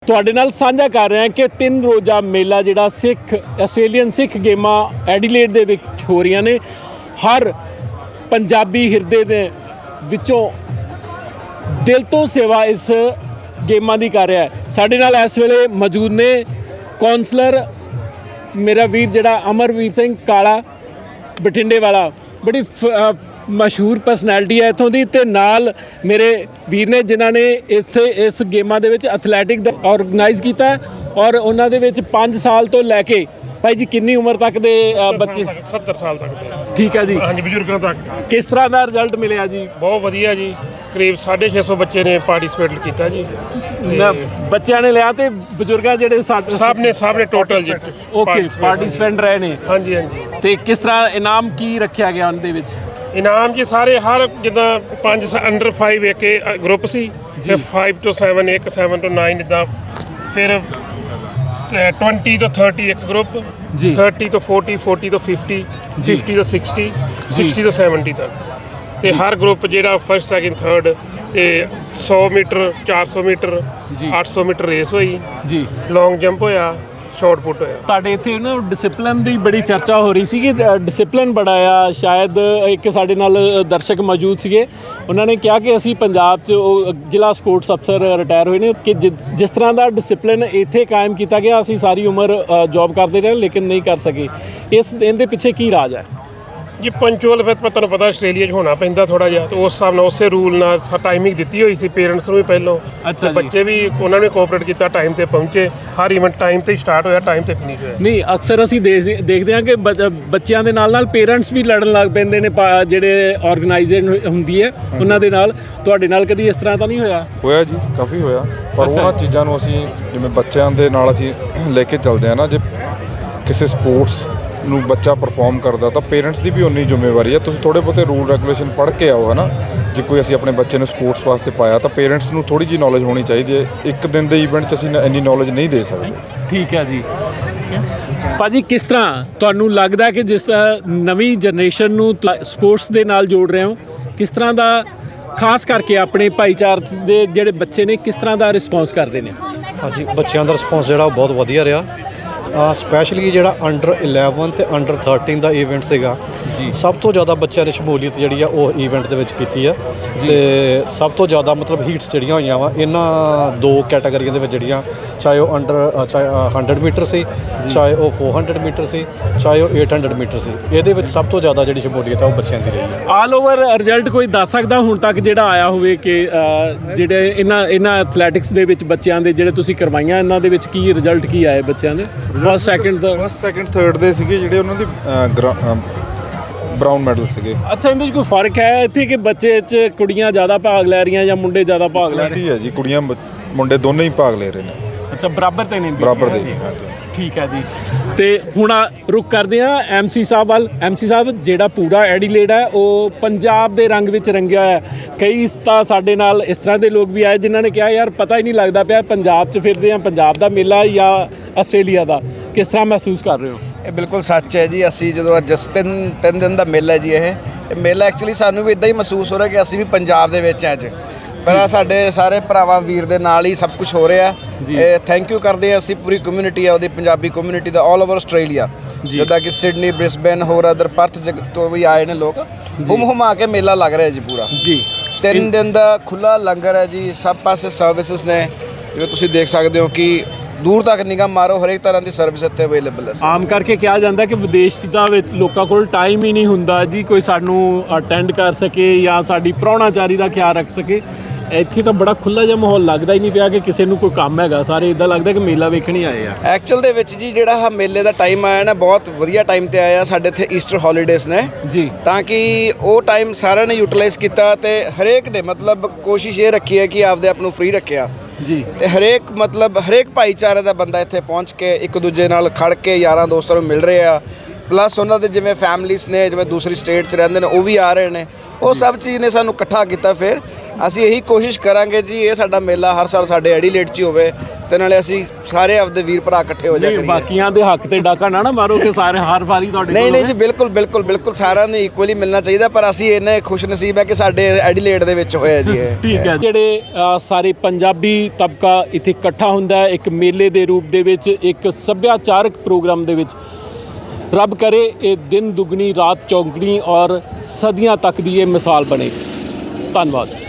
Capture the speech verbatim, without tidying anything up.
ਤੁਹਾਡੇ ਨਾਲ ਸਾਂਝਾ ਕਰ ਰਹੇ ਹਾਂ ਕਿ ਤਿੰਨ ਰੋਜ਼ਾ ਮੇਲਾ ਜਿਹੜਾ ਸਿੱਖ ਆਸਟ੍ਰੇਲੀਅਨ ਸਿੱਖ ਗੇਮਾਂ ਐਡੀਲੇਡ ਦੇ ਵਿੱਚ ਹੋ ਰਹੀਆਂ ਨੇ। ਹਰ ਪੰਜਾਬੀ ਹਿਰਦੇ ਦੇ ਵਿੱਚੋਂ ਦਿਲ ਤੋਂ ਸੇਵਾ ਇਸ ਗੇਮਾਂ ਦੀ ਕਰ ਰਿਹਾ ਹੈ। ਸਾਡੇ ਨਾਲ ਇਸ ਵੇਲੇ ਮੌਜੂਦ ਨੇ ਕੌਂਸਲਰ ਮੇਰਾ ਵੀਰ ਜਿਹੜਾ ਅਮਰਵੀਰ ਸਿੰਘ ਕਾਲਾ ਬਠਿੰਡੇ ਵਾਲਾ, ਬੜੀ ਮਸ਼ਹੂਰ ਪਰਸਨੈਲਿਟੀ ਹੈ ਇੱਥੋਂ ਦੀ, ਅਤੇ ਨਾਲ ਮੇਰੇ ਵੀਰ ਨੇ ਜਿਨ੍ਹਾਂ ਨੇ ਇੱਥੇ ਇਸ ਗੇਮਾਂ ਦੇ ਵਿੱਚ ਐਥਲੈਟਿਕ ਦਾ ਔਰਗਨਾਈਜ਼ ਕੀਤਾ ਔਰ ਉਹਨਾਂ ਦੇ ਵਿੱਚ ਪੰਜ ਸਾਲ ਤੋਂ ਲੈ ਕੇ ਭਾਈ ਜੀ ਕਿੰਨੀ ਉਮਰ ਤੱਕ ਦੇ ਬੱਚੇ? ਸੱਤਰ ਸਾਲ ਤੱਕ ਦੇ। ਠੀਕ ਹੈ ਜੀ। ਹਾਂਜੀ, ਬਜ਼ੁਰਗਾਂ ਤੱਕ। ਕਿਸ ਤਰ੍ਹਾਂ ਦਾ ਰਿਜ਼ਲਟ ਮਿਲਿਆ ਜੀ? ਬਹੁਤ ਵਧੀਆ ਜੀ, ਕਰੀਬ ਸਾਢੇ ਛੇ ਸੌ ਬੱਚੇ ਨੇ ਪਾਰਟੀਸਪੇਟ ਕੀਤਾ ਜੀ। ਬੱਚਿਆਂ ਨੇ ਲਿਆ ਤੇ ਬਜ਼ੁਰਗਾਂ ਜਿਹੜੇ ਸਭ ਨੇ ਸਭ ਨੇ ਟੋਟਲ ਜੀ ਓਕੇ ਪਾਰਟੀਸਪੈਂਟ ਰਹੇ ਨੇ। ਹਾਂਜੀ ਹਾਂਜੀ। ਤੇ ਕਿਸ ਤਰ੍ਹਾਂ ਇਨਾਮ ਕੀ ਰੱਖਿਆ ਗਿਆ ਉਹਨਾਂ ਦੇ ਵਿੱਚ? ਇਨਾਮ ਜੀ ਸਾਰੇ ਹਰ ਜਿੱਦਾਂ ਪੰਜ ਅੰਡਰ ਫਾਈਵ ਇੱਕ ਗਰੁੱਪ ਸੀ, ਤੇ ਫਾਈਵ ਤੋਂ ਸੈਵਨ ਇੱਕ, ਸੈਵਨ ਤੋਂ ਨਾਈਨ ਇੱਦਾਂ, ਫਿਰ ਟਵੰਟੀ ਤੋਂ ਥਰਟੀ ਇੱਕ ਗਰੁੱਪ, ਥਰਟੀ ਤੋਂ ਫੋਰਟੀ, ਫੋਰਟੀ ਤੋਂ ਫਿਫਟੀ, ਫਿਫਟੀ ਤੋਂ ਸਿਕਸਟੀ, ਸਿਕਸਟੀ ਤੋਂ ਸੈਵਨਟੀ ਤੱਕ। ਅਤੇ ਹਰ ਗਰੁੱਪ ਜਿਹੜਾ ਫਸਟ ਸੈਕਿੰਡ ਥਰਡ, ਅਤੇ ਸੌ ਮੀਟਰ, ਚਾਰ ਸੌ ਮੀਟਰ, ਅੱਠ ਸੌ ਮੀਟਰ ਰੇਸ ਹੋਈ ਜੀ, ਲੌਂਗ ਜੰਪ ਹੋਇਆ, ਸ਼ਾਰਟ ਪੁੱਟ ਹੋਇਆ। ਤੁਹਾਡੇ ਇੱਥੇ ਨਾ ਡਿਸਿਪਲਿਨ ਦੀ ਬੜੀ ਚਰਚਾ ਹੋ ਰਹੀ ਸੀ ਕਿ ਡਿਸਿਪਲਿਨ ਬੜਾ ਆ। ਸ਼ਾਇਦ ਇੱਕ ਸਾਡੇ ਨਾਲ ਦਰਸ਼ਕ ਮੌਜੂਦ ਸੀਗੇ, ਉਹਨਾਂ ਨੇ ਕਿਹਾ ਕਿ ਅਸੀਂ ਪੰਜਾਬ 'ਚ ਉਹ ਜ਼ਿਲ੍ਹਾ ਸਪੋਰਟਸ ਅਫਸਰ ਰਿਟਾਇਰ ਹੋਏ ਨੇ ਕਿ ਜਿਸ ਤਰ੍ਹਾਂ ਦਾ ਡਿਸਿਪਲਿਨ ਇੱਥੇ ਕਾਇਮ ਕੀਤਾ ਗਿਆ ਅਸੀਂ ਸਾਰੀ ਉਮਰ ਜੋਬ ਕਰਦੇ ਰਹੇ ਲੇਕਿਨ ਨਹੀਂ ਕਰ ਸਕੇ। ਇਸ ਇਹਦੇ ਪਿੱਛੇ ਕੀ ਰਾਜ ਹੈ ਜੀ? ਪੰਚੁਅਲ ਫਿਰ ਤੁਹਾਨੂੰ ਪਤਾ ਆਸਟ੍ਰੇਲੀਆ 'ਚ ਹੋਣਾ ਪੈਂਦਾ ਥੋੜ੍ਹਾ ਜਿਹਾ, ਅਤੇ ਉਸ ਹਿਸਾਬ ਨਾਲ ਉਸੇ ਰੂਲ ਨਾਲ ਟਾਈਮਿੰਗ ਦਿੱਤੀ ਹੋਈ ਸੀ ਪੇਰੈਂਟਸ ਨੂੰ ਵੀ ਪਹਿਲੋਂ। ਅੱਛਾ, ਬੱਚੇ ਵੀ ਉਹਨਾਂ ਨੇ ਕੋਆਪਰੇਟ ਕੀਤਾ, ਟਾਈਮ 'ਤੇ ਪਹੁੰਚੇ। ਹਰ ਇਵੈਂਟ ਟਾਈਮ 'ਤੇ ਸਟਾਰਟ ਹੋਇਆ, ਟਾਈਮ 'ਤੇ ਫਿਨਿਸ਼ ਹੋਇਆ। ਨਹੀਂ, ਅਕਸਰ ਅਸੀਂ ਦੇਖ ਦੇਖਦੇ ਹਾਂ ਕਿ ਬੱਚਿਆਂ ਦੇ ਨਾਲ ਨਾਲ ਪੇਰੈਂਟਸ ਵੀ ਲੜਨ ਲੱਗ ਪੈਂਦੇ ਨੇ, ਜਿਹੜੇ ਆਰਗੇਨਾਈਜ਼ੇਸ਼ਨ ਹੁੰਦੀ ਹੈ ਉਹਨਾਂ ਦੇ ਨਾਲ। ਤੁਹਾਡੇ ਨਾਲ ਕਦੀ ਇਸ ਤਰ੍ਹਾਂ ਤਾਂ ਨਹੀਂ ਹੋਇਆ? ਹੋਇਆ ਜੀ, ਕਾਫੀ ਹੋਇਆ। ਪਰ ਉਹਨਾਂ ਚੀਜ਼ਾਂ ਨੂੰ ਅਸੀਂ ਜਿਵੇਂ ਬੱਚਿਆਂ ਦੇ ਨਾਲ ਅਸੀਂ ਲੈ ਕੇ ਚੱਲਦੇ ਹਾਂ ਨਾ, ਜੇ ਕਿਸੇ ਸਪੋਰਟਸ ਨੂੰ ਬੱਚਾ ਪਰਫਾਰਮ ਕਰਦਾ ਤਾਂ ਪੇਰੈਂਟਸ ਦੀ ਵੀ ਉਨੀ ਜ਼ਿੰਮੇਵਾਰੀ ਹੈ। ਤੁਸੀਂ ਥੋੜ੍ਹੇ ਬਹੁਤੇ ਰੂਲ ਰੈਗੂਲੇਸ਼ਨ ਪੜ੍ਹ ਕੇ ਆਓ, ਹੈ ਨਾ। ਜੇ ਕੋਈ ਅਸੀਂ ਆਪਣੇ ਬੱਚੇ ਨੂੰ ਸਪੋਰਟਸ ਵਾਸਤੇ ਪਾਇਆ ਤਾਂ ਪੇਰੈਂਟਸ ਨੂੰ ਥੋੜ੍ਹੀ ਜਿਹੀ ਨੌਲੇਜ ਹੋਣੀ ਚਾਹੀਦੀ ਹੈ। ਇੱਕ ਦਿਨ ਦੇ ਈਵੈਂਟ 'ਚ ਅਸੀਂ ਇੰਨੀ ਨੌਲੇਜ ਨਹੀਂ ਦੇ ਸਕਦੇ। ਠੀਕ ਹੈ ਜੀ। ਭਾਜੀ, ਕਿਸ ਤਰ੍ਹਾਂ ਤੁਹਾਨੂੰ ਲੱਗਦਾ ਕਿ ਜਿਸ ਨਵੀਂ ਜਨਰੇਸ਼ਨ ਨੂੰ ਸਪੋਰਟਸ ਦੇ ਨਾਲ ਜੋੜ ਰਹੇ ਹੋ, ਕਿਸ ਤਰ੍ਹਾਂ ਦਾ ਖਾਸ ਕਰਕੇ ਆਪਣੇ ਭਾਈਚਾਰੇ ਦੇ ਜਿਹੜੇ ਬੱਚੇ ਨੇ ਕਿਸ ਤਰ੍ਹਾਂ ਦਾ ਰਿਸਪੌਂਸ ਕਰਦੇ ਨੇ? ਹਾਂਜੀ, ਬੱਚਿਆਂ ਦਾ ਰਿਸਪੌਂਸ ਜਿਹੜਾ ਉਹ ਬਹੁਤ ਵਧੀਆ ਰਿਹਾ। ਸਪੈਸ਼ਲੀ ਜਿਹੜਾ ਅੰਡਰ ਇਲੈਵਨ ਅਤੇ ਅੰਡਰ ਥਰਟੀਨ ਦਾ ਈਵੈਂਟ ਸੀਗਾ ਜੀ, ਸਭ ਤੋਂ ਜ਼ਿਆਦਾ ਬੱਚਿਆਂ ਨੇ ਸ਼ਮੂਲੀਅਤ ਜਿਹੜੀ ਆ ਉਹ ਈਵੈਂਟ ਦੇ ਵਿੱਚ ਕੀਤੀ ਆ। ਅਤੇ ਸਭ ਤੋਂ ਜ਼ਿਆਦਾ ਮਤਲਬ ਹੀਟਸ ਜਿਹੜੀਆਂ ਹੋਈਆਂ ਵਾ ਇਹਨਾਂ ਦੋ ਕੈਟਾਗਰੀਆਂ ਦੇ ਵਿੱਚ, ਜਿਹੜੀਆਂ ਚਾਹੇ ਉਹ ਅੰਡਰ ਚਾਹੇ ਹੰਡਰਡ ਮੀਟਰ ਸੀ, ਚਾਹੇ ਉਹ ਫੋਰ ਹੰਡਰਡ ਮੀਟਰ ਸੀ, ਚਾਹੇ ਉਹ ਏਟ ਹੰਡਰਡ ਮੀਟਰ ਸੀ। ਇਹਦੇ ਵਿੱਚ ਸਭ ਤੋਂ ਜ਼ਿਆਦਾ ਜਿਹੜੀ ਸ਼ਮੂਲੀਅਤ ਆ ਉਹ ਬੱਚਿਆਂ ਦੀ ਰਹੀ ਹੈ। ਆਲ ਓਵਰ ਰਿਜ਼ਲਟ ਕੋਈ ਦੱਸ ਸਕਦਾ ਹੁਣ ਤੱਕ ਜਿਹੜਾ ਆਇਆ ਹੋਵੇ ਕਿ ਜਿਹੜੇ ਇਹਨਾਂ ਇਹਨਾਂ ਐਥਲੈਟਿਕਸ ਦੇ ਵਿੱਚ ਬੱਚਿਆਂ ਦੇ ਜਿਹੜੇ ਤੁਸੀਂ ਕਰਵਾਈਆਂ, ਇਹਨਾਂ ਦੇ ਵਿੱਚ ਕੀ ਰਿਜ਼ਲਟ ਕੀ ਆਏ ਬੱਚਿਆਂ ਦੇ? First second first second third ਦੇ ਸੀਗੇ ਜਿਹੜੇ ਉਹਨਾਂ ਦੀ ਬਰਾਊਨ ਮੈਡਲ ਸੀਗੇ। ਅੱਛਾ, ਇਹਦੇ 'ਚ ਕੋਈ ਫਰਕ ਹੈ ਇੱਥੇ ਕਿ ਬੱਚੇ 'ਚ ਕੁੜੀਆਂ ਜ਼ਿਆਦਾ ਭਾਗ ਲੈ ਰਹੀਆਂ ਜਾਂ ਮੁੰਡੇ ਜ਼ਿਆਦਾ ਭਾਗ ਲੈ ਰਹੇ? ਹੈ ਜੀ, ਕੁੜੀਆਂ ਮੁੰਡੇ ਦੋਨੇ ਹੀ ਭਾਗ ਲੈ ਰਹੇ ਨੇ। ਅੱਛਾ, ਬਰਾਬਰ ਤੇ ਨੇ? ਬਰਾਬਰ ਦੇ। ਠੀਕ ਹੈ ਜੀ। ਤੇ ਹੁਣ ਰੁਕ ਕਰਦੇ ਹਾਂ ਐਮ ਸੀ ਸਾਹਿਬ ਵੱਲ। ਐਮ ਸੀ ਸਾਹਿਬ, ਜਿਹੜਾ ਪੂਰਾ ਐਡੀਲੇਡ ਹੈ ਉਹ ਪੰਜਾਬ ਦੇ ਰੰਗ ਵਿੱਚ ਰੰਗਿਆ ਹੋਇਆ। ਕਈ ਤਾਂ ਸਾਡੇ ਨਾਲ ਇਸ ਤਰ੍ਹਾਂ ਦੇ ਲੋਕ ਵੀ ਆਏ ਜਿਨ੍ਹਾਂ ਨੇ ਕਿਹਾ ਯਾਰ ਪਤਾ ਹੀ ਨਹੀਂ ਲੱਗਦਾ ਪਿਆ ਪੰਜਾਬ 'ਚ ਫਿਰਦੇ ਹਾਂ, ਪੰਜਾਬ ਦਾ ਮੇਲਾ ਜਾਂ ਆਸਟ੍ਰੇਲੀਆ ਦਾ। ਕਿਸ ਤਰ੍ਹਾਂ ਮਹਿਸੂਸ ਕਰ ਰਹੇ ਹੋ? ਇਹ ਬਿਲਕੁਲ ਸੱਚ ਹੈ ਜੀ। ਅਸੀਂ ਜਦੋਂ ਅੱਜ ਤਿੰਨ ਤਿੰਨ ਦਿਨ ਦਾ ਮੇਲਾ ਜੀ, ਇਹ ਇਹ ਮੇਲਾ ਐਕਚੁਅਲੀ ਸਾਨੂੰ ਵੀ ਇੱਦਾਂ ਹੀ ਮਹਿਸੂਸ ਹੋ ਰਿਹਾ ਕਿ ਅਸੀਂ ਵੀ ਪੰਜਾਬ ਦੇ ਵਿੱਚ ਅੱਜ, ਪਰ ਸਾਡੇ ਸਾਰੇ ਭਰਾਵਾਂ ਵੀਰ ਦੇ ਨਾਲ ਹੀ ਸਭ ਕੁਝ ਹੋ ਰਿਹਾ। ਇਹ ਥੈਂਕ ਯੂ ਕਰਦੇ ਹਾਂ ਅਸੀਂ ਪੂਰੀ ਕਮਿਊਨਿਟੀ ਆ ਉਹਦੀ, ਪੰਜਾਬੀ ਕਮਿਊਨਿਟੀ ਦਾ ਆਲ ਓਵਰ ਆਸਟ੍ਰੇਲੀਆ, ਜਿੱਦਾਂ ਕਿ ਸਿਡਨੀ, ਬ੍ਰਿਸਬੇਨ, ਹੋਰ ਅਦਰ ਪਰਥ ਜਗ ਤੋਂ ਵੀ ਆਏ ਨੇ ਲੋਕ। ਹੁਮ ਹੁਮਾ ਕੇ ਮੇਲਾ ਲੱਗ ਰਿਹਾ ਜੀ ਪੂਰਾ ਜੀ। ਤਿੰਨ ਦਿਨ ਦਾ ਖੁੱਲ੍ਹਾ ਲੰਗਰ ਹੈ ਜੀ, ਸਭ ਪਾਸੇ ਸਰਵਿਸਿਜ਼ ਨੇ, ਜਿਵੇਂ ਤੁਸੀਂ ਦੇਖ ਸਕਦੇ ਹੋ ਕਿ ਦੂਰ ਤੱਕ ਨਿਗਾਹ ਮਾਰੋ, ਹਰੇਕ ਤਰ੍ਹਾਂ ਦੀ ਸਰਵਿਸ ਇੱਥੇ ਅਵੇਲੇਬਲ ਹੈ। ਆਮ ਕਰਕੇ ਕਿਹਾ ਜਾਂਦਾ ਕਿ ਵਿਦੇਸ਼ 'ਚ ਤਾਂ ਲੋਕਾਂ ਕੋਲ ਟਾਈਮ ਹੀ ਨਹੀਂ ਹੁੰਦਾ ਜੀ ਕੋਈ ਸਾਨੂੰ ਅਟੈਂਡ ਕਰ ਸਕੇ ਜਾਂ ਸਾਡੀ ਪ੍ਰਾਹੁਣਾਚਾਰੀ ਦਾ ਖਿਆਲ ਰੱਖ ਸਕੇ। ਇੱਥੇ ਤਾਂ ਬੜਾ ਖੁੱਲ੍ਹਾ ਜਿਹਾ ਮਾਹੌਲ ਲੱਗਦਾ ਹੀ ਨਹੀਂ ਪਿਆ ਕਿ ਕਿਸੇ ਨੂੰ ਕੋਈ ਕੰਮ ਹੈਗਾ। ਸਾਰੇ ਇੱਦਾਂ ਲੱਗਦਾ ਕਿ ਮੇਲਾ ਵੇਖਣ ਹੀ ਆਏ ਆ। ਐਕਚੁਅਲ ਦੇ ਵਿੱਚ ਜੀ ਜਿਹੜਾ ਆਹ ਮੇਲੇ ਦਾ ਟਾਈਮ ਆਇਆ ਨਾ, ਬਹੁਤ ਵਧੀਆ ਟਾਈਮ 'ਤੇ ਆਇਆ। ਸਾਡੇ ਇੱਥੇ ਈਸਟਰ ਹੌਲੀਡੇਜ਼ ਨੇ ਜੀ, ਤਾਂ ਕਿ ਉਹ ਟਾਈਮ ਸਾਰਿਆਂ ਨੇ ਯੂਟੀਲਾਈਜ਼ ਕੀਤਾ ਅਤੇ ਹਰੇਕ ਨੇ ਮਤਲਬ ਕੋਸ਼ਿਸ਼ ਇਹ ਰੱਖੀ ਹੈ ਕਿ ਆਪਦੇ ਆਪ ਨੂੰ ਫ੍ਰੀ ਰੱਖਿਆ ਜੀ। ਅਤੇ ਹਰੇਕ ਮਤਲਬ ਹਰੇਕ ਭਾਈਚਾਰੇ ਦਾ ਬੰਦਾ ਇੱਥੇ ਪਹੁੰਚ ਕੇ ਇੱਕ ਦੂਜੇ ਨਾਲ ਖੜ ਕੇ ਯਾਰਾਂ ਦੋਸਤਾਂ ਨੂੰ ਮਿਲ ਰਹੇ ਆ। ਪਲੱਸ ਉਹਨਾਂ ਦੇ ਜਿਵੇਂ ਫੈਮਲੀਜ਼ ਨੇ, ਜਿਵੇਂ ਦੂਸਰੀ ਸਟੇਟ 'ਚ ਰਹਿੰਦੇ ਨੇ, ਉਹ ਵੀ ਆ ਰਹੇ ਨੇ। ਉਹ ਸਭ ਚੀਜ਼ ਨੇ ਸਾਨੂੰ ਇਕੱਠਾ ਕੀਤਾ ਫਿਰ ਅਸੀਂ ਇਹੀ ਕੋਸ਼ਿਸ਼ ਕਰਾਂਗੇ ਜੀ ਇਹ ਸਾਡਾ ਮੇਲਾ ਹਰ ਸਾਲ ਸਾਡੇ ਐਡੀਲੇਟ 'ਚ ਹੀ ਹੋਵੇ ਤੇ ਨਾਲੇ ਅਸੀਂ ਸਾਰੇ ਆਪਦੇ ਵੀਰ ਭਰਾ ਇਕੱਠੇ ਹੋ ਜਾ ਨਹੀਂ ਕਰੀਏ। ਬਾਕੀਆਂ ਦੇ ਹੱਕ ਤੇ ਡਾਕਾ ਨਾ ਨਾ ਮਾਰੋ ਕਿ ਸਾਰੇ ਹਰ ਵਾਰੀ ਤੁਹਾਡੇ ਨਹੀਂ ਕੋਲ ਨਹੀਂ ਹੋਵੇ। ਜੀ ਬਿਲਕੁਲ ਬਿਲਕੁਲ ਬਿਲਕੁਲ ਸਾਰਿਆਂ ਨੂੰ ਇਕੁਅਲੀ ਮਿਲਣਾ ਚਾਹੀਦਾ, ਪਰ ਅਸੀਂ ਇੰਨੇ ਖੁਸ਼ ਨਸੀਬ ਹੈ ਕਿ ਸਾਡੇ ਐਡੀਲੇਟ ਦੇ ਵਿੱਚ ਹੋਇਆ ਜੀ ਇਹ। ਠੀਕ ਹੈ, ਜਿਹੜੇ ਅ, ਸਾਰੇ ਪੰਜਾਬੀ ਤਬਕਾ ਇੱਥੇ ਇਕੱਠਾ ਹੁੰਦਾ ਹੈ ਇੱਕ ਮੇਲੇ ਦੇ ਰੂਪ ਦੇ ਵਿੱਚ, ਇੱਕ ਸੱਭਿਆਚਾਰਕ ਪ੍ਰੋਗਰਾਮ ਦੇ ਵਿੱਚ। ਰੱਬ ਕਰੇ ਇਹ ਦਿਨ ਦੁਗਣੀ ਰਾਤ ਚੌਗਣੀ ਔਰ ਸਦੀਆਂ ਤੱਕ ਦੀ ਇਹ ਮਿਸਾਲ ਬਣੇ। ਧੰਨਵਾਦ।